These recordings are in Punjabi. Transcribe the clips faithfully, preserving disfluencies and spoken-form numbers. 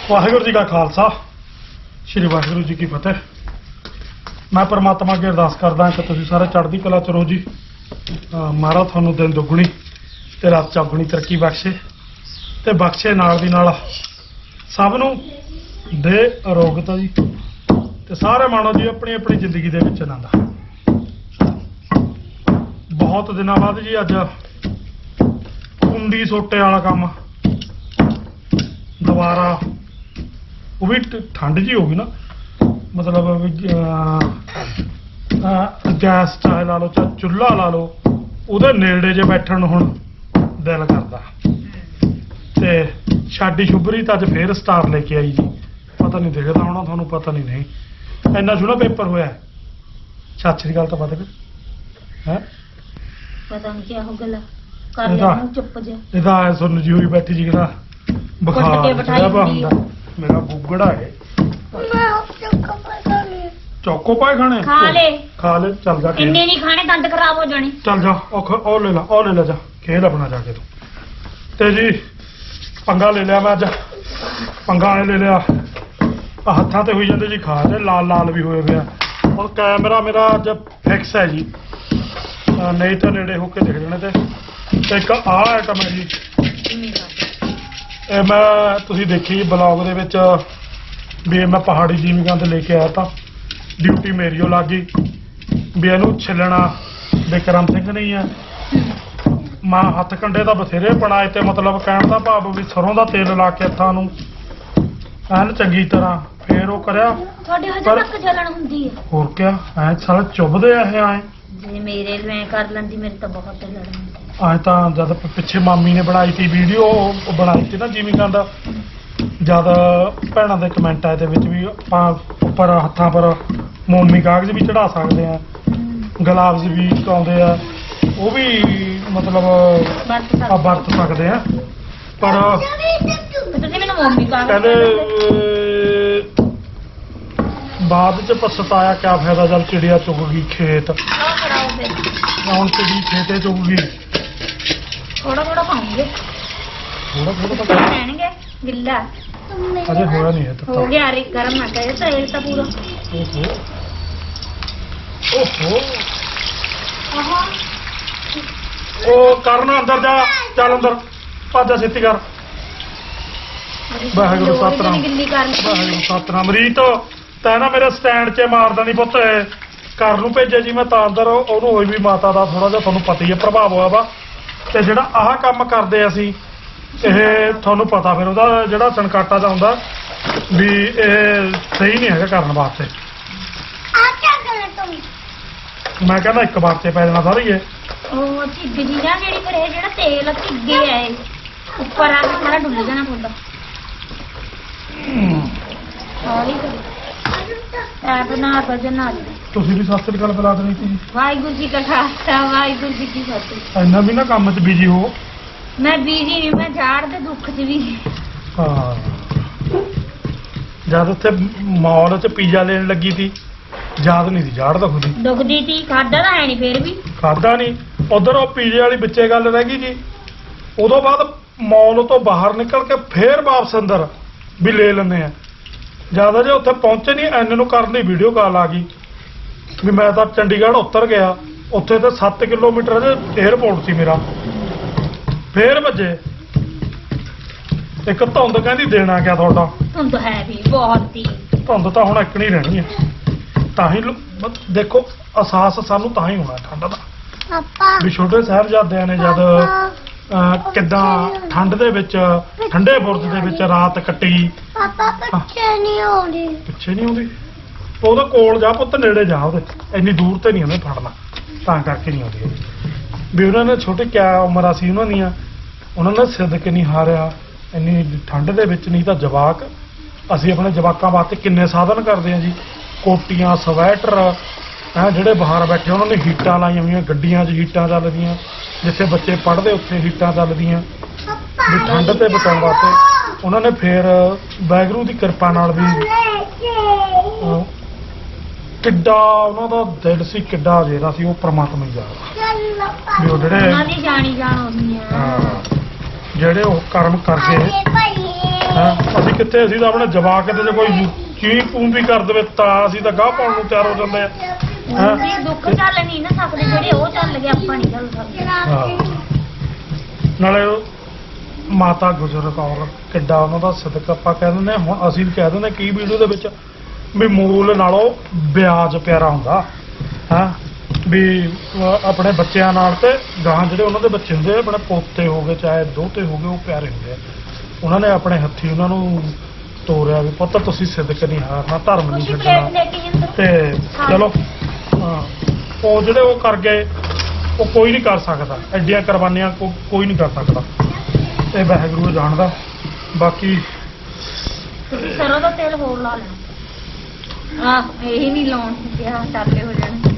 ਵਾਹਿਗੁਰੂ ਜੀ ਕਾ ਖਾਲਸਾ ਸ਼੍ਰੀ ਵਾਹਿਗੁਰੂ ਜੀ ਕੀ ਫਤਿਹ। ਮੈਂ परमात्मा ਅੱਗੇ ਅਰਦਾਸ ਕਰਦਾ ਕਿ ਤੁਸੀਂ ਸਾਰੇ ਚੜ੍ਹਦੀ ਕਲਾ ਚ ਰਹੋ ਜੀ। ਮਹਾਰਾਜ ਤੁਹਾਨੂੰ ਦਿਨ ਦੁੱਗਣੀ ਤੇ ਰਾਤ ਚੌਗੁਣੀ ਤਰੱਕੀ ਬਖਸ਼ੇ ਤੇ ਬਖਸ਼ੇ ਨਾਲ ਦੀ ਨਾਲ ਸਭ ਨੂੰ ਦੇ ਅਰੋਗਤਾ ਜੀ ਤੇ ਸਾਰੇ ਮਾਣੋ ਜੀ ਆਪਣੀ ਆਪਣੀ ਜ਼ਿੰਦਗੀ ਦੇ ਵਿੱਚ ਆਨੰਦ। ਬਹੁਤ ਦਿਨਾਂ ਬਾਅਦ ਜੀ ਅੱਜ ਕੁੰਡੀ ਸੋਟੇ ਵਾਲਾ ਕੰਮ ਦੁਬਾਰਾ, ਉਹ ਵੀ ਠੰਡ ਜੀ ਹੋ ਗਈ ਨਾ, ਮਤਲਬ ਗੈਸ ਚਾਹੇ ਲਾ ਲਓ ਚਾਹੇ ਚੁੱਲ੍ਹਾ ਲਾ ਲਓ, ਉਹਦੇ ਨੇੜੇ ਜੇ ਬੈਠਣ ਨੂੰ ਹੁਣ ਦਿਲ ਕਰਦਾ। ਤੇ ਛਾਡੀ ਸ਼ੁਭਰੀ ਤਾਂ ਅੱਜ ਫੇਰ ਸਟਾਰ ਲੈ ਕੇ ਆਈ ਜੀ, ਪਤਾ ਨਹੀਂ ਦਿਖਦਾ ਹੋਣਾ ਤੁਹਾਨੂੰ, ਪਤਾ ਨਹੀਂ ਨਹੀਂ ਇੰਨਾ ਸੋਹਣਾ ਪੇਪਰ ਹੋਇਆ। ਸਤਿ ਸ੍ਰੀ ਅਕਾਲ ਤਾਂ ਪਤਾ ਹੈ ਪਤਾ ਨਹੀਂ ਕੀ ਹੋ ਗਿਆ ਕਰ ਲਿਆ ਚੁੱਪ ਜਾ। ਇਹਦਾ ਐ ਸੁਣ ਜੀ ਹੋਈ ਬੈਠੀ ਜੀ ਕਿਹੜਾ ਬੁਖਾਰ ਜਿਹੜਾ ਹੁੰਦਾ। ਮੇਰਾ ਗੁੱਗੜਾ ਹੈ, ਚੌਕੋ ਪਾਏ ਖਾਣੇ ਖਾ ਲੈ ਖਾ ਲੈ ਚੱਲ ਜਾ, ਇੰਨੇ ਨਹੀਂ ਖਾਣੇ ਦੰਦ ਖਰਾਬ ਹੋ ਜਾਣੇ। ਚੱਲ ਜਾ ਉਹ ਉਹ ਲੈ ਲਾ ਉਹ ਲੈ ਲੈ ਜਾ, ਖੇਡ ਆਪਣਾ ਜਾ ਕੇ ਤੂੰ। ਤੇ ਜੀ ਪੰਗਾ ਲੈ ਲਿਆ ਮੈਂ ਅੱਜ, ਪੰਗਾ ਐ ਲੈ ਲਿਆ ਆਹ ਹੱਥਾਂ ਤੇ ਹੋਈ ਜਾਂਦੇ ਜੀ ਖਾ ਤੇ ਲਾਲ ਲਾਲ ਵੀ ਹੋਏ ਪਿਆ। ਹੁਣ ਕੈਮਰਾ ਮੇਰਾ ਅੱਜ ਫਿਕਸ ਹੈ ਜੀ, ਨਹੀਂ ਤਾਂ ਨੇੜੇ ਹੋ ਕੇ ਦਿਖ ਜਾਣੇ। ਤੇ ਤੇ ਇੱਕ ਆਹ ਆਈਟਮ ਹੈ ਜੀ, ਇਹ ਮੈਂ ਤੁਸੀਂ ਦੇਖੀ ਬਲੌਗ ਦੇ ਵਿੱਚ ਵੀ ਮੈਂ ਪਹਾੜੀ ਜੀਵਿਕਾਂ ਤੇ ਲੈ ਕੇ ਆਇਆ ਤਾਂ ਡਿਊਟੀ ਮੇਰੀ ਉਹ ਲੱਗ ਗਈ ਵੀ ਇਹਨੂੰ ਛਿੱਲਣਾ ਬਿਕਰਮ ਸਿੰਘ ਨਹੀਂ ਆ। ਮੈਂ ਹੱਥ ਕੰਡੇ ਦਾ ਬਥੇਰੇ ਬਣਾਏ ਤੇ ਮਤਲਬ ਕਹਿਣ ਦਾ ਭਾਵ ਵੀ ਸਰੋਂ ਦਾ ਤੇਲ ਲਾ ਕੇ ਹੱਥਾਂ ਨੂੰ ਐਨ ਚੰਗੀ ਤਰ੍ਹਾਂ ਫੇਰ ਉਹ ਕਰਿਆ। ਤੁਹਾਡੇ ਹਜੇ ਤੱਕ ਜਲਣ ਹੁੰਦੀ ਹੈ? ਹੋਰ ਕਿਆ ਐ ਸਾਲੇ ਚੁੱਭਦੇ ਆ ਇਹ ਐ। ਜੇ ਮੇਰੇ ਮੈਂ ਕਰ ਲੈਂਦੀ ਮੇਰੇ ਤਾਂ ਬਹੁਤ ਜਲਣ ਹੁੰਦੀ। ਅੱਜ ਤਾਂ ਜਦ ਪਿੱਛੇ ਮਾਮੀ ਨੇ ਬਣਾਈ ਸੀ ਵੀਡੀਓ, ਉਹ ਬਣਾਈ ਸੀ ਨਾ ਜੀਵਿਕਾਂ ਦਾ, ਜਦ ਭੈਣਾਂ ਦੇ ਕਮੈਂਟ ਆਏ ਦੇ ਵਿੱਚ ਵੀ ਆਪਾਂ ਉੱਪਰ ਹੱਥਾਂ ਪਰ ਮੋਮੀ ਕਾਗਜ਼ ਵੀ ਚੜਾ ਸਕਦੇ ਆ, ਗਲਾਵਜ਼ ਵੀ ਆਉਂਦੇ ਆ, ਉਹ ਵੀ ਮਤਲਬ ਆ ਵਰਤ ਸਕਦੇ ਆ। ਪਰ ਤੁਸੀਂ ਮੈਨੂੰ ਮੋਮੀ ਕਾਗਜ਼ ਕਹਿੰਦੇ ਬਾਅਦ ਚ ਪਛਤਾਇਆ ਕਿਆ ਫਾਇਦਾ ਜਦ ਚਿੜੀਆ ਚੁਗ ਗਈ ਖੇਤ। ਹੁਣ ਚਿੜੀ ਖੇਤੇ ਚੁਗ ਗਈ। ਥੋੜਾ ਥੋੜਾ ਖਾਉਂਗੇ, ਥੋੜਾ ਥੋੜਾ ਤਾਂ ਰਹਿਣਗੇ ਗਿੱਲਾ ਅਜੇ ਹੋਇਆ ਨਹੀਂ ਹੈ ਤਾਂ ਹੋ ਗਿਆ। ਅਰੇ ਗਰਮ ਨਾ ਕਰੇ ਤਾਂ ਇਹ ਤਾਂ ਪੂਰਾ ਓਹੋ ਓਹੋ ਆਹਾ। ਉਹ ਕਰਨ ਅੰਦਰ ਜਾ, ਚੱਲ ਅੰਦਰ ਭੱਜ ਛੇਤੀ ਕਰ। ਵਾਹਿਗੁਰੂ ਸਤਿਨਾਮ ਗਿੱਲੀ ਕਰਨ ਵਾਹਿਗੁਰੂ ਸਤਿਨਾਮ। ਰੀਤ ਤੈਂ ਨਾ ਮੇਰੇ ਸਟੈਂਡ 'ਚ ਮਾਰਦਾ ਨਹੀਂ ਪੁੱਤ, ਘਰ ਨੂੰ ਭੇਜਿਆ ਜੀ ਮੈਂ ਤਾਂ ਅੰਦਰ। ਉਹਨੂੰ ਹੋਈ ਵੀ ਮਾਤਾ ਦਾ ਥੋੜਾ ਜਿਹਾ ਤੁਹਾਨੂੰ ਪਤਾ ਹੀ ਹੈ ਪ੍ਰਭਾਵ ਹੋਇਆ ਵਾ। ਤੇ ਜਿਹੜਾ ਆਹ ਕੰਮ ਕਰਦੇ ਅਸੀਂ, ਇਹ ਤੁਹਾਨੂੰ ਪਤਾ ਫਿਰ ਉਹਦਾ ਜਿਹੜਾ ਸਨਕਾਟਾ ਦਾ ਹੁੰਦਾ ਵੀ ਇਹ ਸਹੀ ਨਹੀਂ ਹੈਗਾ ਕਰਨ ਵਾਸਤੇ। ਮੈਂ ਕਹਿੰਦਾ ਇੱਕ ਵਾਰ 'ਚ ਪੈ ਜਾਣਾ ਸਾਰਾ ਹੀ ਇਹ। ਉਹ ਝਿੱਗ ਜੀ ਨਾ ਜਿਹੜੀ ਫਿਰ ਇਹ ਜਿਹੜਾ ਤੇਲ ਝਿੱਗੇ ਆ ਇਹ ਉੱਪਰ ਆ ਕੇ ਸਾਰਾ ਡੁੱਲ ਜਾਣਾ ਪੁੱਦਾ ਹੌਲੀ ਐ ਬਣਾ ਕੇ ਜਨਾ। ਤੁਸੀਂ ਵੀ ਸਤਿ ਸ੍ਰੀ ਅਕਾਲ ਬੁਲਾ ਦੇਣੀ ਸੀ। ਵਾਹਿਗੁਰੂ ਜੀ ਕਾ ਖਾਲਸਾ ਵਾਹਿਗੁਰੂ ਜੀ ਕੀ ਫਤਿਹ। ਇੰਨਾ ਵੀ ਨਾ ਕੰਮ 'ਚ ਬਿਜੀ ਹੋ। ਮੈਂ ਬੀਜੀ ਨਹੀਂ, ਮੈਂ ਝਾੜ ਦੇ ਦੁੱਖ 'ਚ ਵੀ। ਹਾਂ ਜਦ ਉੱਥੇ ਮਾਲ 'ਚ ਪੀਜ਼ਾ ਲੈਣ ਲੱਗੀ ਸੀ, ਯਾਦ ਨਹੀਂ ਸੀ ਝਾੜ ਦੁਖਦੀ ਦੁਖਦੀ ਸੀ। ਖਾਦਾ ਤਾਂ ਹੈ ਨਹੀਂ ਫੇਰ ਵੀ ਖਾਦਾ ਨਹੀਂ। ਉਧਰ ਉਹ ਪੀਜ਼ੇ ਵਾਲੀ ਵਿੱਚੇ ਗੱਲ ਰਹਿ ਗਈ ਜੀ। ਉਦੋਂ ਬਾਅਦ ਮਾਲ ਤੋਂ ਬਾਹਰ ਨਿਕਲ ਕੇ ਫੇਰ ਵਾਪਸ ਅੰਦਰ ਵੀ ਲੈ ਲੈਂਦੇ ਆ। ਜਿਆਦਾ ਜੇ ਉੱਥੇ ਪਹੁੰਚੇ ਨਹੀਂ ਐਨ ਨੂੰ ਕਰਨ ਦੀ ਵੀਡੀਓ ਕਾਲ ਆ ਗਈ ਵੀ ਮੈਂ ਤਾਂ ਚੰਡੀਗੜ੍ਹ ਉਤਰ ਗਿਆ। ਉੱਥੇ ਤੇ ਸੱਤ ਕਿਲੋਮੀਟਰ ਦੇ ਏਅਰਪੋਰਟ ਸੀ ਮੇਰਾ। ਫੇਰ ਵੱਜੇ ਇੱਕ ਧੁੰਦ, ਕਹਿੰਦੀ ਦੇਣਾ ਕਿਆ ਤੁਹਾਡਾ। ਧੁੰਦ ਹੈ ਵੀ ਬਹੁਤ ਹੀ। ਧੁੰਦ ਤਾਂ ਹੁਣ ਇੱਕ ਨਹੀਂ ਰਹਿਣੀ ਹੈ। ਤਾਂ ਹੀ ਦੇਖੋ ਅਹਿਸਾਸ ਸਾਨੂੰ ਤਾਂ ਹੀ ਹੋਣਾ ਠੰਡ ਦਾ ਵੀ ਛੋਟੇ ਸਾਹਿਬਜ਼ਾਦਿਆਂ ਨੇ ਜਦ ਕਿੱਦਾਂ ਠੰਡ ਦੇ ਵਿੱਚ ਠੰਡੇ ਬੁਰਜ ਦੇ ਵਿੱਚ ਰਾਤ ਕੱਟੀ। ਪਾਪਾ ਪਿੱਛੇ ਨਹੀਂ ਆਉਂਦੀ, ਪਿੱਛੇ ਨਹੀਂ ਆਉਂਦੀ। ਉਹਦੇ ਕੋਲ ਜਾ ਪੁੱਤ, ਨੇੜੇ ਜਾ ਉਹਦੇ, ਇੰਨੀ ਦੂਰ ਤੇ ਨਹੀਂ ਉਹਨੇ ਫੜਨਾ, ਤਾਂ ਕਰਕੇ ਨਹੀਂ ਆਉਂਦੀ ਵੀ। ਉਹਨਾਂ ਨੇ ਛੋਟੇ ਕਿਆ ਉਮਰਾਂ ਸੀ ਉਹਨਾਂ ਦੀਆਂ, ਉਹਨਾਂ ਨੇ ਸਿੱਧਕ ਨਹੀਂ ਹਾਰਿਆ ਇੰਨੀ ਠੰਡ ਦੇ ਵਿੱਚ। ਨਹੀਂ ਤਾਂ ਜਵਾਕ, ਅਸੀਂ ਆਪਣੇ ਜਵਾਕਾਂ ਵਾਸਤੇ ਕਿੰਨੇ ਸਾਧਨ ਕਰਦੇ ਹਾਂ ਜੀ, ਕੋਟੀਆਂ ਸਵੈਟਰ ਹੈ। ਜਿਹੜੇ ਬਾਹਰ ਬੈਠੇ ਉਹਨਾਂ ਨੇ ਹੀਟਾਂ ਲਾਈਆਂ ਹੋਈਆਂ, ਗੱਡੀਆਂ 'ਚ ਹੀਟਾਂ ਚੱਲਦੀਆਂ, ਜਿੱਥੇ ਬੱਚੇ ਪੜ੍ਹਦੇ ਉੱਥੇ ਹੀਟਾਂ ਚੱਲਦੀਆਂ ਵੀ ਠੰਡ ਤੇ ਬਚਾਉਣ ਵਾਸਤੇ। ਉਹਨਾਂ ਨੇ ਫੇਰ ਵਾਹਿਗੁਰੂ ਦੀ ਕਿਰਪਾ ਨਾਲ ਵੀ ਕਿੱਡਾ ਉਹਨਾਂ ਦਾ ਦਿਲ ਸੀ, ਕਿੱਡਾ ਜਿਹੜਾ ਸੀ, ਉਹ ਪ੍ਰਮਾਤਮਾ ਹੀ ਜਾਣਦਾ ਵੀ ਉਹ ਜਿਹੜੇ ਜਾਣੀ ਜਾਣ ਹੁੰਦੀ ਆ ਜਿਹੜੇ ਉਹ ਕਰਮ ਕਰਕੇ ਅਸੀਂ ਕਿੱਥੇ ਅਸੀਂ ਤਾਂ ਆਪਣੇ ਜਵਾਕ ਤੇ ਜੇ ਕੋਈ ਚੀਂ ਪੂੰ ਵੀ ਕਰ ਦੇਵੇ ਤਾਂ ਅਸੀਂ ਤਾਂ ਗਾਹ ਪਾਉਣ ਨੂੰ ਤਿਆਰ ਹੋ ਜਾਂਦੇ ਆ ਹੈਂ? ਵੀ ਦੁੱਖ ਚੱਲ ਨਹੀਂ ਨਾ ਸਕਦੇ ਜਿਹੜੇ ਉਹ ਚੱਲ ਗਏ ਆਪਾਂ ਨਹੀਂ ਚੱਲ ਸਕਦੇ ਹਾਂ। ਨਾਲੇ ਉਹ ਮਾਤਾ ਗੁਜਰ ਕੌਰ ਕਿੱਡਾ ਉਹਨਾਂ ਦਾ ਸਦਕਾ ਆਪਾਂ ਕਹਿ ਦਿੰਦੇ ਹਾਂ। ਹੁਣ ਅਸੀਂ ਵੀ ਕਹਿ ਦਿੰਦੇ ਕੀ ਵੀਡੀਓ ਦੇ ਵਿੱਚ ਵੀ ਮੂਲ ਨਾਲੋਂ ਵਿਆਜ ਪਿਆਰਾ ਹੁੰਦਾ ਹਾਂ ਵੀ ਅਹ ਆਪਣੇ ਬੱਚਿਆਂ ਨਾਲ ਤੇ ਗਾਂ ਜਿਹੜੇ ਉਹਨਾਂ ਦੇ ਬੱਚੇ ਹੁੰਦੇ ਆ ਆਪਣੇ ਪੋਤੇ ਹੋ ਗਏ ਚਾਹੇ ਦੋਤੇ ਹੋ ਗਏ ਉਹ ਪਿਆਰੇ ਹੁੰਦੇ ਆ। ਉਹਨਾਂ ਨੇ ਆਪਣੇ ਹੱਥੀ ਉਹਨਾਂ ਨੂੰ ਤੋਰਿਆ ਵੀ ਪੁੱਤ ਤੁਸੀਂ ਸਿੱਧਕ ਨਹੀਂ ਹਾਰਨਾ ਧਰਮ ਨਹੀਂ ਤੁਸੀਂ ਪਲੇਟ ਛੱਡਣਾ ਲੈ ਕੇ ਜਿੰਦਰ ਤੇ ਚਲੋ ਹਾਂ ਉਹ ਜਿਹੜੇ ਉਹ ਕਰ ਗਏ ਉਹ ਕੋਈ ਨਹੀਂ ਕਰ ਸਕਦਾ ਐਡੀਆਂ ਕੁਰਬਾਨੀਆਂ ਕੋ- ਕੋਈ ਨਹੀਂ ਕਰ ਸਕਦਾ ਇਹ ਵਾਹਿਗੁਰੂ ਜਾਣਦਾ ਬਾਕੀ ਤੁਸੀਂ ਸਰੋਂ ਦਾ ਤੇਲ ਹੋਰ ਲਾ ਲੈਣਾ ਆਹ ਇਹੀ ਨਹੀਂ ਲਾਉਣ ਕਿਹਾ ਚਾਲੇ ਹੋ ਜਾਣੇ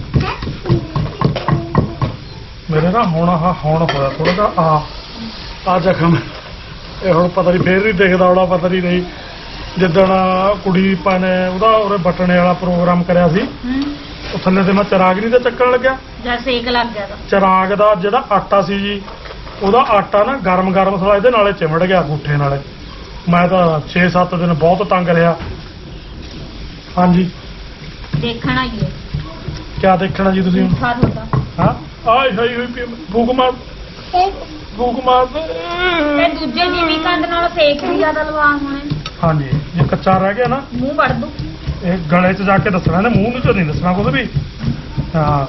ਮੇਰੇ ਨਾ ਹੁਣ ਆਹ ਹੁਣ ਹੋਇਆ ਥੋੜਾ ਜਿਹਾ ਆ ਆ ਜ਼ਖਮ ਇਹ ਹੁਣ ਪਤਾ ਨਹੀਂ ਫੇਰ ਨਹੀਂ ਦਿਖਦਾ ਹੋਣਾ ਪਤਾ ਨਹੀਂ ਨਹੀਂ ਜਿੱਦਣ ਕੁੜੀ ਪਾ ਨੇ ਉਹਦਾ ਉਹਦੇ ਬਟਣੇ ਵਾਲਾ ਪ੍ਰੋਗਰਾਮ ਕਰਿਆ ਸੀ ਹੂੰ ਉਹ ਥੱਲੇ ਤੇ ਮੈਂ ਚਰਾਗ ਨਹੀਂ ਤੇ ਚੱਕਣ ਲੱਗਿਆ ਜਾਂ ਸੇਕ ਲੱਗ ਗਿਆ ਤਾਂ ਚਰਾਗ ਦਾ ਜਿਹੜਾ ਆਟਾ ਸੀ ਜੀ ਉਹਦਾ ਆਟਾ ਨਾ ਗਰਮ ਗਰਮ ਥੋੜਾ ਇਹਦੇ ਨਾਲੇ ਚਿਮੜ ਗਿਆ ਅੰਗੂਠੇ ਨਾਲੇ ਮੈਂ ਤਾਂ ਛੇ ਸੱਤ ਦਿਨ ਬਹੁਤ ਤੰਗ ਰਿਹਾ ਹਾਂਜੀ ਦੇਖਣਾ ਹੀ ਹੈ ਕਿਆ ਦੇਖਣਾ ਜੀ ਤੁਸੀਂ ਮਿੱਠਾ ਤੁਹਾਡਾ ਹਾਂ ਆਏ ਹਾਈ ਹੋਈ ਪਈ ਭੂਖ ਮਾਰ ਭੂਖ ਮਾਰ ਤੇ ਦੂਜੇ ਜਿਵੇਂ ਕੰਦ ਨਾਲ ਸੇਕ ਵੀ ਜ਼ਿਆਦਾ ਲਵਾ ਹੋਣੇ ਹਾਂਜੀ ਜੇ ਕੱਚਾ ਰਹਿ ਗਿਆ ਨਾ ਮੂੰਹ ਵੜ ਦੂ ਇਹ ਗਲੇ 'ਚ ਜਾ ਕੇ ਦੱਸਣਾ ਇਹਨੇ ਮੂੰਹ ਨੂੰ ਚ ਨਹੀਂ ਦੱਸਣਾ ਕੁਝ ਵੀ ਹਾਂ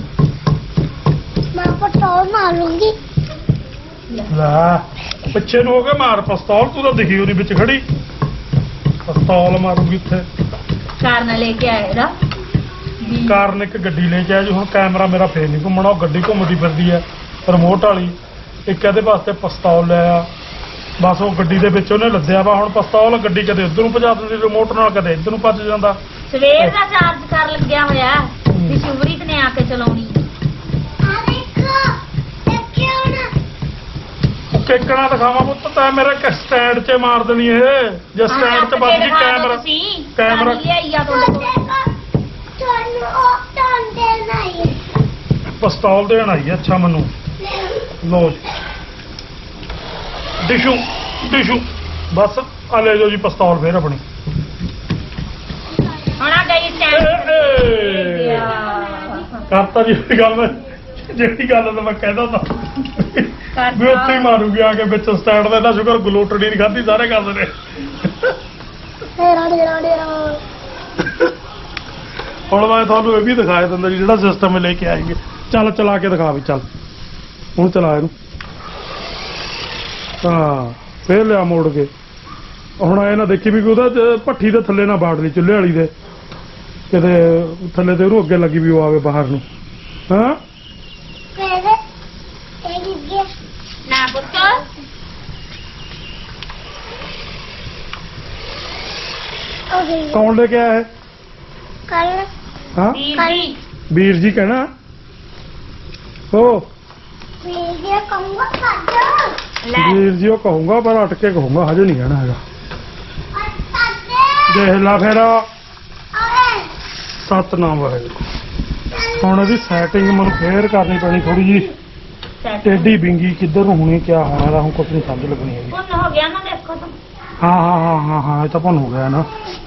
मैं पटोल मारूंगी ਲੈ ਪਿੱਛੇ ਨੂੰ ਹੋ ਕੇ ਮਾਰ ਪਿਸਤੌਲ ਤੂੰ ਤਾਂ ਦਿਖੀ ਉਹਦੀ ਵਿੱਚ ਖੜੀ ਪਿਸਤੌਲ ਮਾਰੂਗੀ ਇੱਥੇ ਕਾਰਨ ਲੈ ਕੇ ਆਏ ਇਹਦਾ ਵੀ ਕਾਰਨ ਇੱਕ ਗੱਡੀ ਲੈ ਕੇ ਆਇਆ ਜੀ ਹੁਣ ਕੈਮਰਾ ਮੇਰਾ ਫੇਰ ਨਹੀਂ ਘੁੰਮਣਾ ਉਹ ਗੱਡੀ ਘੁੰਮਦੀ ਫਿਰਦੀ ਹੈ ਰਿਮੋਟ ਵਾਲੀ ਇੱਕ ਇਹਦੇ ਵਾਸਤੇ ਪਿਸਤੌਲ ਲਿਆ ਬਸ ਉਹ ਗੱਡੀ ਦੇ ਵਿੱਚ ਉਹਨੇ ਲੱਦਿਆ ਵਾ ਹੁਣ ਪਿਸਤੌਲ ਗੱਡੀ ਕਦੇ ਉੱਧਰ ਨੂੰ ਭਜਾ ਦਿੰਦੀ ਰਿਮੋਟ ਨਾਲ ਕਦੇ ਇੱਧਰ ਨੂੰ ਭੱਜ ਜਾਂਦਾ ਸਵੇਰ ਦਾ ਚਾਰਜ ਕਰ ਲੱਗਿਆ ਹੋਇਆ ਵੀ ਸ਼ੁਭਰੀਤ ਨੇ ਆ ਕੇ ਚਲਾਉਣੀ आ देखो देखियो ना ਉਹ ਕੇਕਣਾ ਦਿਖਾਵਾਂ ਪੁੱਤ ਤੈਂ ਮੇਰੇ ਸਟੈਂਡ 'ਚ ਮਾਰ ਦੇਣੀ ਇਹ ਜੇ ਸਟੈਂਡ 'ਚ ਵੱਜ ਗਈ ਕੈਮਰਾ ਕੈਮਰਾ ਲਿਆਈ ਆ ਤੁਹਾਡੇ ਕੋਲ देखो ਤੁਹਾਨੂੰ ਉਹ ਤਾਂ ਦੇਣਾ ਹੀ ਪਿਸਤੌਲ ਦੇਣ ਆਈ ਹੈ ਅੱਛਾ ਮੈਨੂੰ ਲੋ ਜੀ ਡਿਸ਼ੂ ਡਿਸ਼ੂ ਬਸ ਆ ਲੈ ਜਾਓ ਜੀ ਪਿਸਤੌਲ ਫੇਰ ਆਪਣੀ ਹੁਣ ਆ ਗਈ ਸਟੈਂਡ ਏ, ਏ। ਕਰਤਾ ਜੀ ਇਹ ਗੱਲ ਮੈਂ ਜਿਹੜੀ ਗੱਲ ਤਾਂ ਮੈਂ ਕਹਿੰਦਾ ਤਾਂ ਵੀ ਉੱਥੇ ਹੀ ਮਾਰੂਗੀ ਆ ਕੇ ਵਿੱਚ ਸਟੈਂਡ ਦਾ ਇਹਦਾ ਸ਼ੁਕਰ ਗਲੋਟੜੀ ਨਹੀਂ ਖਾਧੀ ਸਾਰੇ ਕਰਦੇ ਨੇ ਡੇਰਾ ਡੇਰਾ ਡੇਰਾ ਹੁਣ ਮੈਂ ਤੁਹਾਨੂੰ ਇਹ ਵੀ ਦਿਖਾਇਆ ਦਿੰਦਾ ਜੀ ਜਿਹੜਾ ਸਿਸਟਮ ਲੈ ਕੇ ਆਏਗੇ ਚੱਲ ਚਲਾ ਕੇ ਦਿਖਾ ਵੀ ਚੱਲ ਹੁਣ ਚਲਾ ਇਹਨੂੰ ਹਾਂ ਫੇਰ ਲਿਆ ਮੋੜ ਕੇ ਹੁਣ ਇਹ ਨਾ ਦੇਖੀ ਵੀ ਉਹਦਾ ਚ ਭੱਠੀ ਦੇ ਥੱਲੇ ਨਾ ਬਾੜ ਲਈ ਚੁੱਲ੍ਹੇ ਵਾਲੀ ਦੇ ਕਿਤੇ ਥੱਲੇ ਤੇ ਉਹਨੂੰ ਅੱਗੇ ਲੱਗੀ ਵੀ ਉਹ ਆਵੇ ਬਾਹਰ ਨੂੰ ਹਾਂ ਮੇਰੇ ਇਹ ਗਿੱਗੇ ਨਾ ਪੁੱਤ ਉਹ ਗਈ ਕੌਣ ਲੈ ਕੇ ਆਇਆ ਹੈ ਕੱਲ ਹਾਂ ਵੀਰ ਜੀ ਵੀਰ ਜੀ ਕਹਿਣਾ ਹੋ ਵੀਡੀਓ ਕੰਗਾ ਕੱਢ ਲੈ ਵੀਰ ਜੀ ਉਹ ਕਹੂੰਗਾ ਪਰ ਅਟ ਕੇ ਕਹੂੰਗਾ ਹਜੇ ਨਹੀਂ ਕਹਿਣਾ ਹੈਗਾ ਅੱਤੇ ਦੇਖ ਲਾ ਫਿਰ ਓਏ ਸਤਨਾਮ ਵਾਹਿਗੁਰੂ ਹੁਣ ਇਹਦੀ ਸੈਟਿੰਗ ਮੈਨੂੰ ਫੇਰ ਕਰਨੀ ਪੈਣੀ ਥੋੜੀ ਜੀ ਟੇਢੀ ਬਿੰਗੀ ਕਿੱਧਰ ਨੂੰ ਹੋਣੀ ਕਿਆ ਹੋਣਾ ਇਹਦਾ ਹੁਣ ਕੁਝ ਨਹੀਂ ਸਮਝ ਲੱਗਣੀ ਹੈਗੀ ਪੁੰਨ ਹੋ ਗਿਆ ਨਾ ਦੇਖੋ ਤਾਂ ਹਾਂ ਹਾਂ ਹਾਂ ਹਾਂ ਹਾਂ ਇਹ ਤਾਂ ਭੁੰਨ ਹੋ ਗਿਆ ਨਾ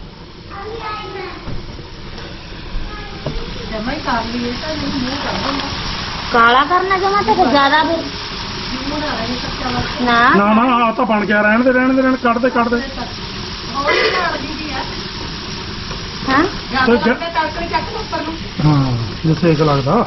ਜਮਾ ਹੀ ਕਰ ਲਈਏ ਤਾਂ ਮੂੰਹ ਕਰ ਦਿੰਦਾ ਕਾਲਾ ਕਰਨਾ ਜਮਾ ਤੇ ਜ਼ਿਆਦਾ ਫਿਰ ਨਾ ਨਾ ਨਾ ਆ ਤਾਂ ਬਣ ਗਿਆ ਰਹਿਣ ਦੇ ਰਹਿਣ ਦੇ ਰਹਿਣ ਕੱਢ ਦੇ ਕੱਢ ਦੇ ਹਾਂ ਤੇ ਜ- ਹਾਂ ਜੇ ਸੇਕ ਲੱਗਦਾ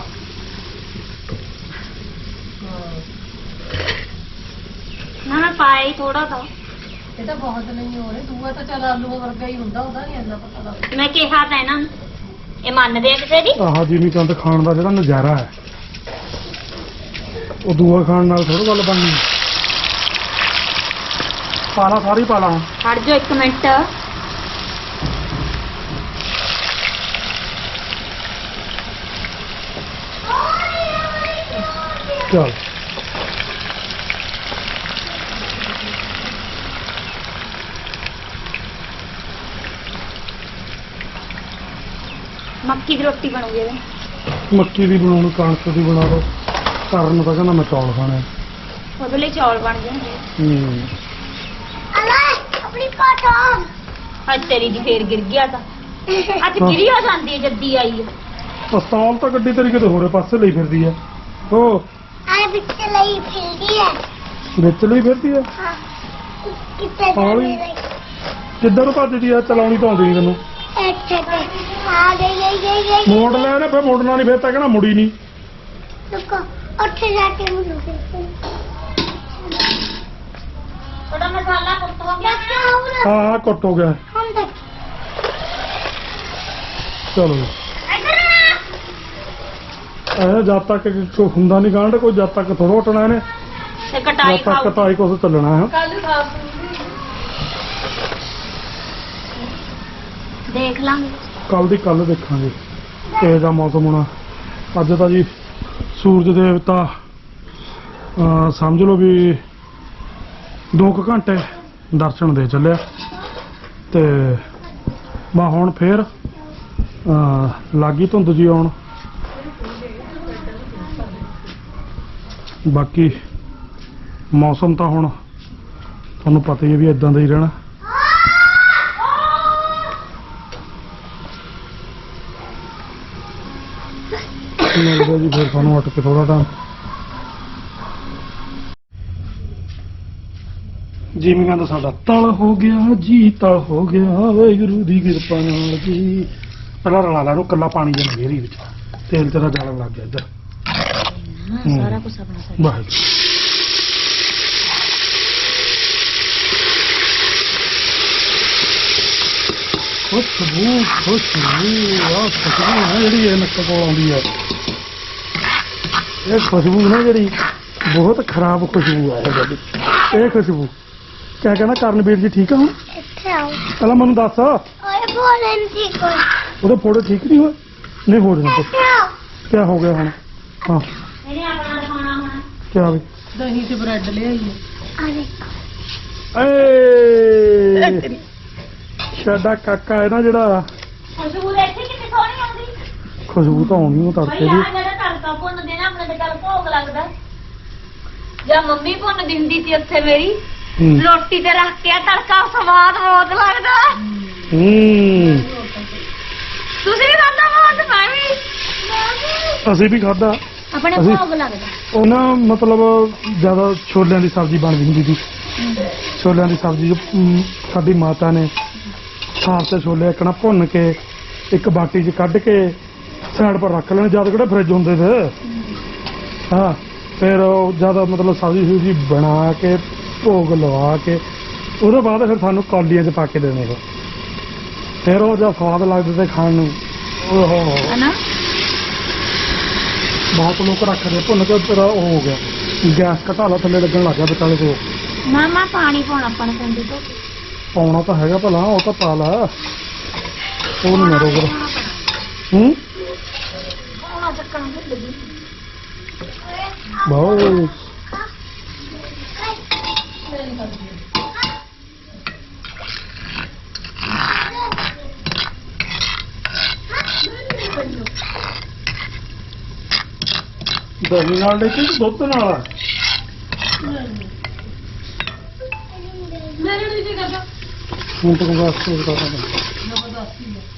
ਨਾ ਮੈਂ ਪਾਇਆ ਹੀ ਥੋੜਾ ਤਾਂ ਇਹ ਤਾਂ ਬਹੁਤ ਨਹੀਂ ਹੋ ਰਿਹਾ ਦੂਆ ਤਾਂ ਚੱਲ ਆਲੂ ਵਰਗਾ ਹੀ ਹੁੰਦਾ ਉਹਦਾ ਨਹੀਂ ਇੰਨਾ ਪਤਾ ਲੱਗਦਾ ਮੈਂ ਕਿਹਾ ਤਾਂ ਇਹਨਾਂ ਨੂੰ ਇਹ ਮੰਨਦੇ ਆ ਕਿਸੇ ਦੀ ਆਹ ਜਿਮੀ ਕੰਦ ਖਾਣ ਦਾ ਜਿਹੜਾ ਨਜ਼ਾਰਾ ਹੈ ਉਹ ਦੂਆ ਖਾਣ ਨਾਲ ਥੋੜਾ ਗੱਲ ਬਣਨੀ ਪਾਲਾ ਸਾਰੀ ਪਾਲਾ ਹੁਣ ਹਟ ਜਾਓ ਇੱਕ ਮਿੰਟ ਚੱਲ ਮੱਕੀ ਦੀ ਰੋਟੀ ਬਣੂਗੀ ਇਹਦੇ ਮੱਕੀ ਦੀ ਬਣਾਉਣੀ ਕਣਕ ਦੀ ਬਣਾ ਲਓ ਕਰਨ ਤਾਂ ਕਹਿੰਦਾ ਮੈਂ ਚੌਲ ਖਾਣੇ ਉਹਦੇ ਲਈ ਚੌਲ ਬਣ ਜਾਣਗੇ ਹੂੰ ਅਲਾ ਆਪਣੀ ਕਟਾਂ ਅੱਜ ਤੇਰੀ ਦੀ ਫੇਰ ਗਿਰ ਗਿਆ ਤਾਂ ਅੱਜ ਗਿਰੀ ਹੋ ਜਾਂਦੀ ਹੈ ਜੱਦੀ ਆਈ ਹੈ ਪਸਤੌਲ ਤਾਂ ਗੱਡੀ ਤੇਰੀ ਕਿਤੇ ਹੋਰੇ ਪਾਸੇ ਲਈ ਫਿਰਦੀ ਆ ਉਹ ਆ ਵਿੱਚ ਲਈ ਫਿਰਦੀ ਹੈ ਵਿੱਚ ਲਈ ਫਿਰਦੀ ਆ ਹਾਂ ਕਿੱਥੇ ਹੌਲੀ। ਜਾਂਦੀ ਕਿੱਧਰ ਨੂੰ ਭੱਜਦੀ ਆ ਚਲਾਉਣੀ ਤਾਂ ਆਉਂਦੀ ਨਹੀਂ ਤੈਨੂੰ ਇੱਥੇ ਤੇ ਆ ਗਈ ਗਈ ਗਈ ਗਈ ਮੋੜ ਲੈ ਨੇ ਫਿਰ ਮੋੜਨਾ ਨਹੀਂ ਫਿਰ ਤਾਂ ਕਹਿਣਾ ਮੁੜੀ ਨਹੀਂ ਰੁਕੋ ਉੱਥੇ ਜਾ ਕੇ ਮੈਨੂੰ ਥੋੜਾ ਮਸਾਲਾ ਕੁੱਟ ਹੋ ਗਿਆ ਹਾਂ ਹਾਂ ਕੁੱਟ ਹੋ ਗਿਆ ਹੁਣ ਦੇਖ ਚਲੋ ਇੱਧਰ ਆ ਇਹ ਜਦ ਤੱਕ ਕੋਈ ਹੁੰਦਾ ਨਹੀਂ ਗਾਂਢ ਕੋਈ ਜਦ ਤੱਕ ਥੋੜਾ ਹਟਣਾ ਇਹਨੇ ਤੇ ਕਟਾਈ ਜਦ ਤੱਕ ਖਾਓ ਕਟਾਈ ਕੁਛ ਚੱਲਣਾ ਹੈ ਕੱਲ ਸਾਫ ਦੇਖ ਲਾਂਗੇ ਕੱਲ ਦੀ ਕੱਲ ਦੇਖਾਂਗੇ ਕਿਹੋ ਜਿਹਾ ਮੌਸਮ ਹੋਣਾ ਅੱਜ ਤਾਂ ਜੀ ਸੂਰਜ ਦੇਵਤਾ ਅਹ ਸਮਝ ਲਓ ਵੀ ਦੋ ਕੁ ਘੰਟੇ ਦਰਸ਼ਨ ਦੇ ਚੱਲਿਆ ਤੇ ਮੈਂ ਹੁਣ ਫੇਰ ਅਹ ਲਾਗੀ ਧੁੰਦ ਜੀ ਆਉਣ ਬਾਕੀ ਮੌਸਮ ਤਾਂ ਹੁਣ ਤੁਹਾਨੂੰ ਪਤਾ ਹੀ ਹੈ ਵੀ ਇਦਾਂ ਦਾ ਹੀ ਰਹਿਣਾ ਮਿਲਦਾ ਜੀ ਫਿਰ ਸਾਨੂੰ ਉੱਠ ਕੇ ਥੋੜਾ ਟਾਈਮ ਜਿਵੇਂ ਕਹਿੰਦਾ ਸਾਡਾ ਤਲ ਹੋ ਗਿਆ ਜੀ ਤਲ ਹੋ ਗਿਆ ਵਾਹਿਗੁਰੂ ਦੀ ਕਿਰਪਾ ਨਾਲ ਜੀ ਪਹਿਲਾਂ ਰਲਾ ਲਾ ਨੂੰ ਕੱਲਾ ਪਾਣੀ ਦੇ ਨਗੇਰੀ ਵਿੱਚ ਤੇਲ ਤੇਰਾ ਜਾਣ ਲੱਗ ਗਿਆ ਇੱਧਰ ਹਾਂ ਸਾਰਾ ਕੁਝ ਆਪਣਾ ਕਰ ਵਾਹਿਗੁਰੂ ਖੁਸ਼ਬੂ ਖੁਸ਼ਬੂ ਆ ਖੁਸ਼ਬੂ ਹੈ ਜਿਹੜੀ ਇਹ ਨੱਕ ਕੋਲ ਆਉਂਦੀ ਹੈ ਇਹ ਖੁਸ਼ਬੂ ਨਾ ਜਿਹੜੀ ਬਹੁਤ ਖਰਾਬ ਖੁਸ਼ਬੂ ਹੈ ਇਹ ਜਿਹੜੀ ਇਹ ਖੁਸ਼ਬੂ ਕਿਆ ਕਹਿੰਦਾ ਕਰਨਵੀਰ ਜੀ ਠੀਕ ਆ ਹੁਣ ਇੱਥੇ ਆਓ ਪਹਿਲਾਂ ਮੈਨੂੰ ਦੱਸ ਓਏ ਬੋਲਣ ਦੀ ਕੋਈ ਉਹਦੇ ਫੋੜੇ ਠੀਕ ਨਹੀਂ ਹੋਏ ਨਹੀਂ ਹੋ ਰਹੇ ਇੱਥੇ ਆਓ ਕਿਆ ਹੋ ਗਿਆ ਹੁਣ ਹਾਂ ਇਹਨੇ ਆਪਣਾ ਦਿਖਾਉਣਾ ਹੁਣ ਕਿਆ ਵੀ ਦਹੀਂ ਤੇ ਬ੍ਰੈਡ ਲਿਆਈਏ ਆ ਦੇਖ ਏ ਸਾਡਾ ਕਾਕਾ ਹੈ ਨਾ ਜਿਹੜਾ ਖੁਸ਼ਬੂ ਦੇਖੀ ਕਿੰਨੀ ਸੋਹਣੀ ਆਉਂਦੀ ਖੁਸ਼ਬੂ ਤਾਂ ਆਉਣੀ ਉਹ ਤੜਕੇ ਬਈ ਦੀ ਆ ਜਿਹੜਾ ਤੜਕਾ ਭੁੰਨਦੇ ਨਾ ਆਪਣੇ ਤੇ ਚੱਲ ਭੋਗ ਲੱਗਦਾ ਜਾਂ ਮੰਮੀ ਭੁੰਨਦੀ ਹੁੰਦੀ ਸੀ ਉੱਥੇ ਮੇਰੀ ਹੂੰ ਰੋਟੀ ਤੇ ਰੱਖ ਕੇ ਤੜਕਾ ਸਵਾਦ ਬਹੁਤ ਲੱਗਦਾ ਹੂੰ ਤੁਸੀਂ ਵੀ ਖਾਂਦਾ ਬਹੁਤ ਮੈਂ ਵੀ ਅਸੀਂ ਵੀ ਖਾਦਾ ਆਪਣੇ ਅਸੀਂ- ਭੋਗ ਲੱਗਦਾ ਉਹ ਨਾ ਮਤਲਬ ਜ਼ਿਆਦਾ ਛੋਲਿਆਂ ਦੀ ਸਬਜ਼ੀ ਬਣਦੀ ਹੁੰਦੀ ਸੀ ਛੋਲਿਆਂ ਦੀ ਸਬਜ਼ੀ ਜੋ, ਅਮ, ਸਾਡੀ ਮਾਤਾ ਨੇ ਸਾਫ ਤੇ ਛੋਲੇ ਇੱਕਣਾ ਭੁੰਨ ਕੇ ਇੱਕ ਬਾਟੀ 'ਚ ਕੱਢ ਕੇ ਸਾਈਡ ਪਰ ਰੱਖ ਲੈਣੇ ਜਦ ਕਿਹੜੇ ਫਰਿੱਜ ਹੁੰਦੇ ਤੇ ਹਾਂ ਫਿਰ ਉਹ ਜ਼ਿਆਦਾ ਮਤਲਬ ਸਬਜ਼ੀ ਸੁਬਜ਼ੀ ਬਣਾ ਕੇ ਭੋਗ ਲਵਾ ਕੇ ਉਹਦੇ ਬਾਅਦ ਫਿਰ ਸਾਨੂੰ ਕੌਲੀਆਂ 'ਚ ਪਾ ਕੇ ਦੇਣੇ ਉਹ ਫਿਰ ਉਹ ਜਦ ਸਵਾਦ ਲੱਗਦੇ ਤੇ ਖਾਣ ਨੂੰ ਓਹੋ ਹਨਾ ਬਹੁਤ ਲੋਕ ਰੱਖਦੇ ਭੁੰਨ ਕੇ ਤੇਰਾ ਉਹ ਹੋ ਗਿਆ ਗੈਸ ਘਟਾ ਲਾ ਥੱਲੇ ਲੱਗਣ ਲੱਗ ਗਿਆ ਵਿਚਾਲੇ ਤੋਂ ਮਾਮਾ ਪਾਣੀ ਪਾਉਣਾ ਆਪਾਂ ਨੂੰ ਪੈਂਦੀ ਤੋਂ ਪਾਉਣਾ ਤਾਂ ਹੈਗਾ ਭਲਾ ਉਹ ਤਾਂ ਪਾ ਲਾ ਉਹ ਨਹੀਂ ਮਰੋਗਾ ਹੂੰ ਪਾਉਣਾ ਚੱਕਣਾ ਭੁੱਲ ਗਈ ਬਹੁਤ ਦਹੀਂ ਨਾਲ ਲੈ ਕੇ ਦੁੱਧ ਨਾਲ ਮੇਰੇ ਲਈ ਕੀ ਕਰਦਾ ਹੁਣ ਤੱਕ ਬਸ ਉਹ ਕਰਦਾ ਜ਼ਬਰਦਸਤੀ ਹੈ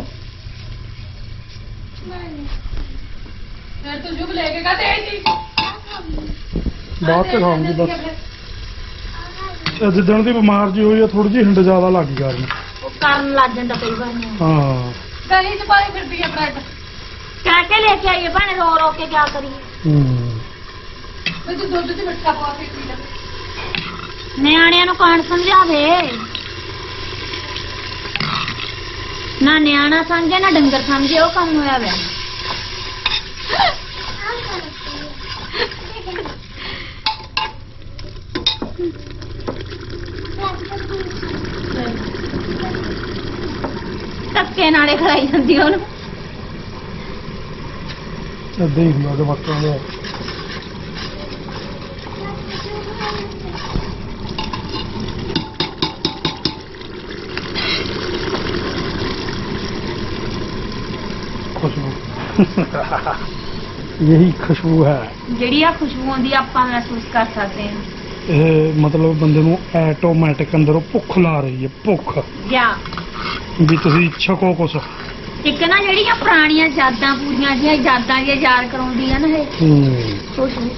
ਫਿਰ ਤੂੰ ਜੁਬ ਲੈ ਕੇ ਕਾਤੇ ਆਈ ਸੀ ਬਾਅਦ ਚ ਖਾਉਂਗੀ ਬਸ ਇਹ ਜਿੱਦਣ ਦੀ ਬਿਮਾਰ ਜੀ ਹੋਈ ਆ ਥੋੜੀ ਜਿਹੀ ਹਿੰਡ ਜ਼ਿਆਦਾ ਲੱਗ ਗਈ ਕਰਨ ਉਹ ਕਰਨ ਲੱਗ ਜਾਂਦਾ ਕਈ ਵਾਰ ਨੂੰ ਹਾਂ ਦਹੀਂ ਚ ਪਾਈ ਫਿਰਦੀ ਹੈ ਬ੍ਰੈਡ ਕਹਿ ਕੇ ਲੈ ਕੇ ਆਈਏ ਭਾਣੇ ਰੋ ਰੋ ਕੇ ਕਿਆ ਕਰੀਏ ਹੂੰ ਵੀ ਤੂੰ ਦੁੱਧ ਚ ਮਿੱਠਾ ਪਾ ਕੇ ਪੀ ਲੈ ਨਿਆਣਿਆਂ ਨੂੰ ਕੌਣ ਸਮਝਾਵੇ ਨਾ ਨਿਆਣਾ ਸਮਝੇ ਨਾ ਡੰਗਰ ਸਮਝੇ ਉਹ ਕੰਮ ਹੋਇਆ ਵੇ ਧੱਕੇ ਨਾਲੇ ਖੜਾਈ ਜਾਂਦੀ ਉਹਨੂੰ ਏਦਾਂ ਹੀ ਹੁੰਦਾ ਜਵਾਕਾਂ ਦਾ खुशबू यही खुशबू है ਜਿਹੜੀ ਆ ਖੁਸ਼ਬੂ ਆਉਂਦੀ ਆ ਆਪਾਂ ਮਹਿਸੂਸ ਕਰ ਸਕਦੇ ਹਾਂ ਇਹ ਮਤਲਬ ਬੰਦੇ ਨੂੰ ਆਟੋਮੈਟਿਕ ਅੰਦਰੋਂ ਭੁੱਖ ਲਾ ਰਹੀ ਹੈ, ਭੁੱਖ ਜਾ ਵੀ ਤੁਸੀਂ ਛਕੋ ਕੁਛ। ਇੱਕ ਨਾ ਜਿਹੜੀਆਂ ਪੁਰਾਣੀਆਂ ਯਾਦਾਂ ਪੂਰੀਆਂ ਜਿਹੀਆਂ ਯਾਦਾਂ ਜਿਹੀਆਂ ਯਾਦ ਕਰਾਉਂਦੀ ਆ ਨਾ ਇਹ ਹੂੰ ਕੁਛ ਨੀ।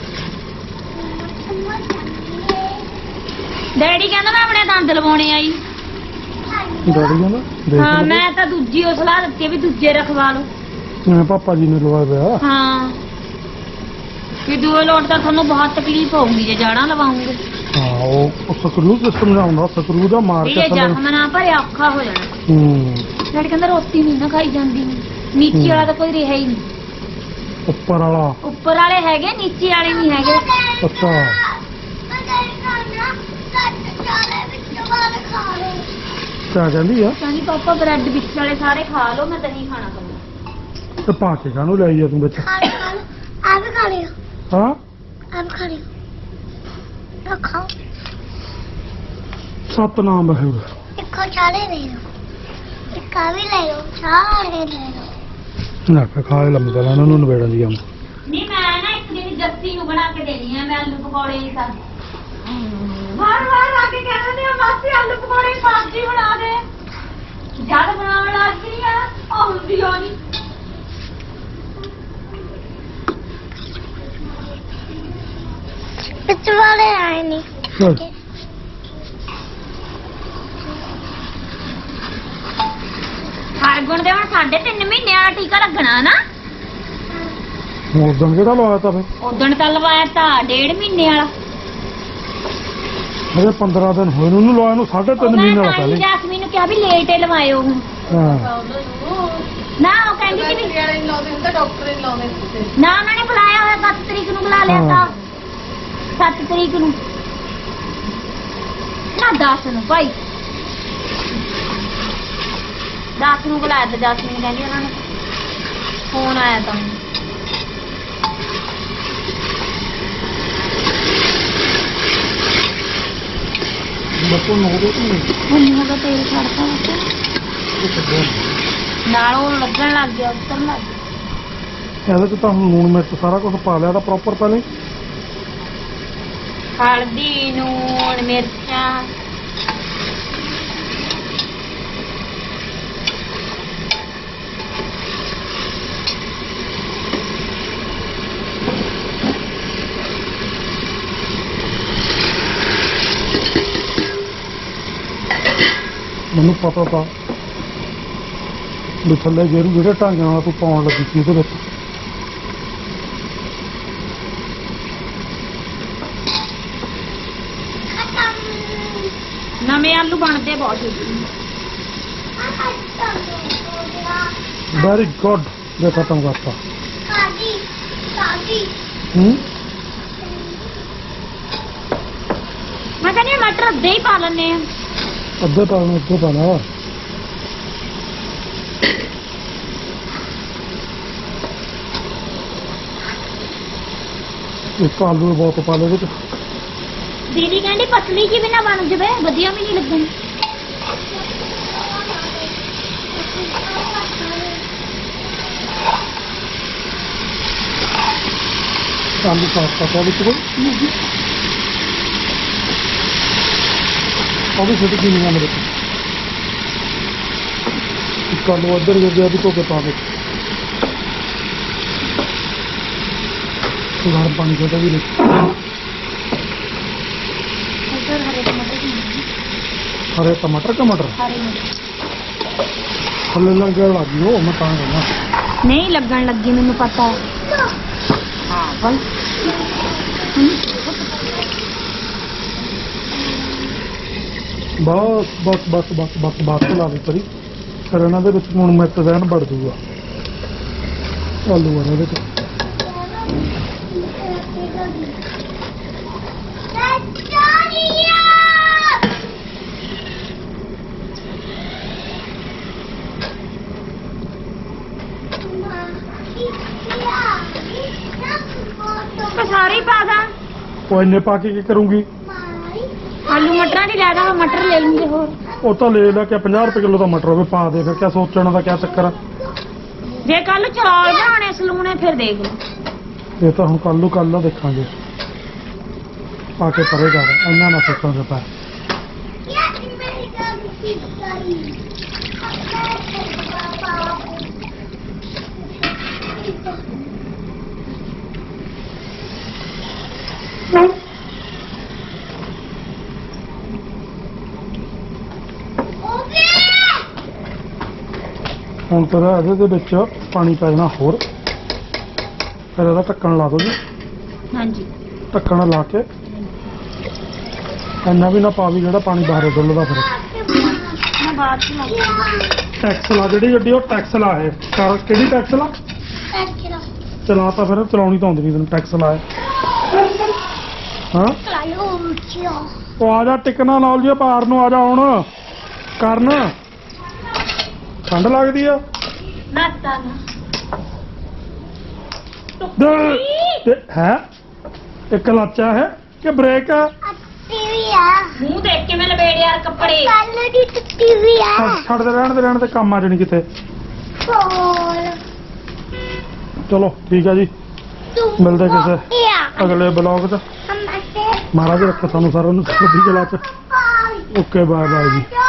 ਡੈਡੀ ਕਹਿੰਦਾ ਮੈਂ ਆਪਣੇ ਦੰਦ ਲਵਾਉਣੇ ਆਈ। ਡੈਡੀ ਕਹਿੰਦਾ ਦੇਖ ਹਾਂ ਲਓ। ਮੈਂ ਤਾਂ ਦੂਜੀ ਉਹ ਸਲਾਹ ਦਿੱਤੀ ਆ ਵੀ ਦੂਜੇ ਰਖਵਾ ਲਓ। ਜਿਵੇਂ ਪਾਪਾ ਜੀ ਨੇ ਲਵਾਇਆ ਪਿਆ। ਹਾਂ ਵੀ ਦੂਏ ਲੋਟ ਤਾਂ ਤੁਹਾਨੂੰ ਬਹੁਤ ਤਕਲੀਫ ਹੋਊਗੀ ਜੇ ਜਾਣਾ ਲਵਾਉਂਗੇ। ਹਾਂ ਉਹ ਸਕਰੂ ਸਿਸਟਮ ਦਾ ਹੁੰਦਾ, ਸਕਰੂ ਦਾ ਮਾਰ ਵੀ ਕੇ ਇਹ ਜ਼ਖਮ ਨਾ ਭਰਿਆ ਔਖਾ ਹੋ ਜਾਣਾ। ਹੂੰ ਡੈਡੀ ਕਹਿੰਦਾ ਰੋਟੀ ਨਹੀਂ ਨਾ ਖਾਈ ਜਾਂਦੀ, ਨੀਚੇ ਵਾਲਾ ਤਾਂ ਕੋਈ ਰਿਹਾ ਹੀ ਨਹੀਂ। ਉੱਪਰ ਵਾਲਾ ਉੱਪਰ ਵਾਲੇ ਹੈਗੇ, ਨੀਚੇ ਵਾਲੇ ਨਹੀਂ ਹੈਗੇ। ਅੱਛਾ ਕਿਆ ਕਹਿੰਦੀ ਆ? ਕਹਿੰਦੀ ਪਾਪਾ ਬ੍ਰੈਡ ਵਿੱਚ ਵਾਲੇ ਸਾਰੇ ਖਾ ਲਓ, ਮੈਂ ਦਹੀਂ ਖਾਣਾ ਪਊਗਾ। ਤੇ ਪਾ ਕੇ ਕਾਹਨੂੰ ਲਿਆਈ ਆ ਤੂੰ ਵਿੱਚ? ਆ ਵੀ ਖਾ ਲਿਓ, ਹਾਂ ਆ ਵੀ ਖਾ ਲਿਓ, ਰੱਖੋ ਸਤਨਾਮ ਵਾਹਿਗੁਰੂ। ਇੱਕੋ ਚਾਲੇ ਲੈ ਲਓ, ਇੱਕ ਆ ਵੀ ਲੈ ਲਓ, ਸਾਰੇ ਲੈ ਲਓ। ਨਾ ਖਾ ਲੰਮਦਾ ਇਹਨਾਂ ਨੂੰ ਨਵੇੜਨ ਦੀ ਆ। ਨਹੀਂ ਮੈਂ ਨਾ ਇੱਕ ਦਿਨ ਜੱਸੀ ਨੂੰ ਬਣਾ ਕੇ ਦੇਣੀ ਆ, ਮੈਂ ਆਲੂ ਪਕੌੜੇ ਹੀ ਸਾ ਵਾਰ ਵਾਰ ਆ ਕੇ ਕਹਿੰਦੇ ਆ ਮਾਸੀ ਆਲੂ ਪਕੌੜੇ ਦੀ ਸਬਜ਼ੀ ਬਣਾ ਦੇ। ਜਦ ਬਣਾਉਣ ਲੱਗੀ ਆ ਉਹ ਹੁੰਦੀ ਹੋ ਨਹੀਂ। ਵਿੱਚ ਵਾਲੇ ਆਏ ਨਹੀਂ। ਚੱਲ ਹਰਗੁਣ ਦੇ ਹੁਣ ਸਾਢੇ ਤਿੰਨ ਮਹੀਨੇ ਵਾਲਾ ਟੀਕਾ ਲੱਗਣਾ ਨਾ। ਉਦੋਂ ਕਿਹੜਾ ਲਵਾਇਆ ਤਾ ਫੇ? ਉਦਣ ਤਾਂ ਲਵਾਇਆ ਤਾਂ ਡੇਢ ਮਹੀਨੇ ਵਾਲਾ। ਅਜੇ ਪੰਦਰਾਂ ਦਿਨ ਹੋਏ ਨੂੰ ਉਹਨੂੰ ਲਵਾਇਆ ਨੂੰ ਸਾਢੇ ਤਿੰਨ ਮਹੀਨੇ ਵਾਲਾ ਪਹਿਲੇ। ਜੈਸਮੀਨ ਨੂੰ ਕਿਹਾ ਵੀ ਲੇਟ ਹੀ ਲਵਾਇਓ ਹੁਣ। ਹਾਂ ਨਾ ਉਹ ਕਹਿੰਦੀ ਸੀ ਵੀ ਵਾਲੇ ਨਹੀਂ ਲਾਉਂਦੇ ਹੁੰਦੇ, ਡਾਕਟਰ ਨਹੀਂ ਲਾਉਂਦੇ ਹੁੰਦੇ। ਨਾ ਉਹਨਾਂ ਨੇ ਬੁਲਾਇਆ ਹੋਇਆ ਸੱਤ ਤਰੀਕ ਨੂੰ ਬੁਲਾ ਲਿਆ ਤਾਂ ਸੱਤ ਤਰੀਕ ਨੂੰ ਨਾ ਦਸ ਨੂੰ ਭਾਈ ਦਸ ਨੂੰ ਬੁਲਾਇਆ ਤਾਂ ਜੈਸਮੀਨ ਕਹਿੰਦੀ ਉਹਨਾਂ ਨੇ ਫੋਨ ਆਇਆ ਤਾਂ ਬੱਤੋਂ ਨੋ ਦੋ ਤੂੰ ਹੁਣ ਉਹਦਾ ਤੇਲ ਛੱਡਤਾ ਨਾਲ ਉਹ ਲੱਗਣ ਲੱਗ ਗਿਆ ਉੱਤਰ ਲੱਗ ਗਿਆ। ਇਹਦੇ ਚ ਤਾਂ ਹੁਣ ਲੂਣ ਮਿਰਚ ਸਾਰਾ ਕੁਝ ਪਾ ਲਿਆ ਤਾਂ ਪ੍ਰੋਪਰ ਪਹਿਲੇ। ਹਲਦੀ ਨੂਣ ਮਿਰਚਾਂ ਮੈਨੂੰ ਪਤਾ ਤਾਂ ਵੀ ਥੱਲੇ ਜਿਹੜੇ ਜਿਹੜੇ ਢੰਗ ਨਾਲ ਤੂੰ ਪਾਉਣ ਲੱਗੀ ਸੀ ਇਹਦੇ ਵਿੱਚ। ਨਵੇਂ ਆਲੂ ਬਣਦੇ ਬਹੁਤ ਛੇਤੀ। ਵੈਰੀ ਗੁੱਡ ਜੇ ਖਤਮ ਕਰਤਾ। ਸਾਡੀ ਸਾਡੀ ਹੂੰ ਮੈਂ ਕਹਿੰਦੀ ਹਾਂ ਮਟਰ ਅੱਧੇ ਹੀ ਪਾ ਲੈਣੇ ਆ। ਅੱਧੇ ਪਾ ਲੈਣੇ, ਅੱਧੇ ਪਾ ਲਾ। ਇੱਕ ਆਲੂ ਬਹੁਤ ਪਾ ਲੈ ਵਿੱਚ। ਦੀਦੀ ਕਹਿੰਦੀ ਪਤਲੀ ਜੀ ਵੀ ਨਾ ਬਣ ਜਵੇ, ਵਧੀਆ ਵੀ ਨਹੀਂ ਲੱਗਣੀ। ਆਲੂ ਸਾਫ ਕਰਤਾ ਵਿੱਚ ਕੋਈ ਉਹ ਵੀ ਛੋਟੀ ਜਿਹੀ ਨਿਗਾਹ ਮੇਰੇ ਇੱਕ ਆਲੂ ਉੱਧਰ ਗਿਆ ਵੀ ਧੋ ਕੇ ਪਾ ਦੇ। ਗਰਮ ਪਾਣੀ ਛੋਟਾ ਵੀ ਨਹੀਂ। ਇੱਧਰ ਹਰੇ ਟਮਾਟਰ ਵੀ ਨੇ। ਹਰੇ ਟਮਾਟਰ ਟਮਾਟਰ ਹਰੇ ਮਿਰਚ ਥੱਲੇ ਲੱਗਣ ਲੱਗ ਗਈ ਉਹ ਮੈਂ ਤਾਂ ਕਹਿੰਦਾ। ਨਹੀਂ ਲੱਗਣ ਲੱਗੀ ਮੈਨੂੰ ਪਤਾ ਹੈ। ਹਾਂ ਬਲ ਬਸ ਬਸ ਬਸ ਬਸ ਬਸ ਬਸ ਲਾ ਲਈ ਪਰੀ। ਫਿਰ ਇਹਨਾਂ ਦੇ ਵਿੱਚ ਹੁਣ ਮਿਰਚ ਰਹਿਣ ਵੜ ਜੂਗਾ ਆਲੂ ਵਾਲੇ ਵਿੱਚ। ਮੈਂ ਸਾਰੇ ਹੀ ਪਾ ਦਾਂ। ਉਹ ਇੰਨੇ ਪਾ ਕੇ ਕੀ ਕਰੂੰਗੀ? ਆਲੂ ਮਟਰਾਂ ਦੀ ਲੈ ਦਾਂ, ਮਟਰ ਲੈ ਲੂੰਗੇ ਹੋਰ। ਉਹ ਤਾਂ ਲੈ ਲੈ ਕੇ ਪੰਜਾਹ ਰੁਪਏ ਕਿਲੋ ਦਾ ਮਟਰ ਹੋਵੇ ਪਾ ਦੇ। ਫਿਰ ਕਿਆ ਸੋਚਣ ਦਾ ਕਿਆ ਚੱਕਰ ਆ? ਜੇ ਕੱਲ ਚੌਲ ਬਣਾਉਣੇ ਸਲੂਣੇ ਫਿਰ ਦੇਖ ਲਓ। ਇਹ ਤਾਂ ਹੁਣ ਕੱਲ੍ਹ ਨੂੰ ਕੱਲ੍ਹ ਦੇਖਾਂਗੇ। ਪਾ ਕੇ ਪਰੇ ਕਰ ਇੰਨਾ ਨਾ ਸੋਚਾਂ ਤੇ ਪੈ ਯਾਰ ਮੇਰੀ ਗੱਲ ਕੀਤੀ ਹੁਣ ਤੇਰਾ ਇਹਦੇ ਦੇ ਵਿੱਚ ਪਾਣੀ ਪੈ ਜਾਣਾ ਹੋਰ ਫਿਰ ਇਹਦਾ ਢੱਕਣ ਲਾ ਦੋ ਜੀ ਹਾਂਜੀ ਢੱਕਣ ਲਾ ਕੇ ਇੰਨਾ ਵੀ ਨਾ ਪਾ ਵੀ ਜਿਹੜਾ ਪਾਣੀ ਬਾਹਰ ਡੁੱਲਦਾ ਫਿਰ ਮੈਂ ਬਾਅਦ ਚ ਲਾਉਂਗੀ ਟੈਕਸ ਲਾ ਜਿਹੜੀ ਗੱਡੀ ਉਹ ਟੈਕਸ ਲਾ ਹੈ ਕਰ ਕਿਹੜੀ ਟੈਕਸ ਲਾ ਚਲਾ ਤਾਂ ਫਿਰ ਚਲਾਉਣੀ ਤਾਂ ਆਉਂਦੀ ਨਹੀਂ ਤੈਨੂੰ ਟੈਕਸ ਲਾ ਹਾਂ ਉਹ ਆ ਜਾ ਟਿਕਣਾ ਨਾਲ ਜੀ ਪਾਰ ਨੂੰ ਆ ਜਾ ਹੁਣ ਕਰਨ ਠੰਡ ਲੱਗਦੀ ਆ ਨਾਤਾ ਹੈ ਇੱਕ ਲਾਚਾ ਹੈ ਕਿ ਬ੍ਰੇਕ ਆ ਟੀਵੀ ਆ ਮੂੰਹ ਦੇਖ ਕੇ ਮੈਂ ਲਪੇੜ ਯਾਰ ਕੱਪੜੇ ਕੱਲ ਦੀ ਟੀਵੀ ਆ ਛੱਡ- ਛੱਡ ਦੇ ਰਹਿਣ ਦੇ ਰਹਿਣ ਦੇ ਕੰਮ ਆ ਜਾਣੀ ਕਿਤੇ ਹੋਰ ਚਲੋ ਠੀਕ ਆ ਜੀ ਤੂੰ ਮਿਲਦੇ ਕਿਸੇ ਆ ਅਗਲੇ ਬਲੌਗ 'ਚ ਹਮ ਅਸੇ ਮਹਾਰਾਜ ਰੱਖੇ ਸਾਨੂੰ ਸਾਰਿਆਂ ਨੂੰ ਚੜ੍ਹਦੀ ਕਲਾ 'ਚ ਪਾਈ ਓਕੇ ਬਾਏ ਬਾਏ ਜੀ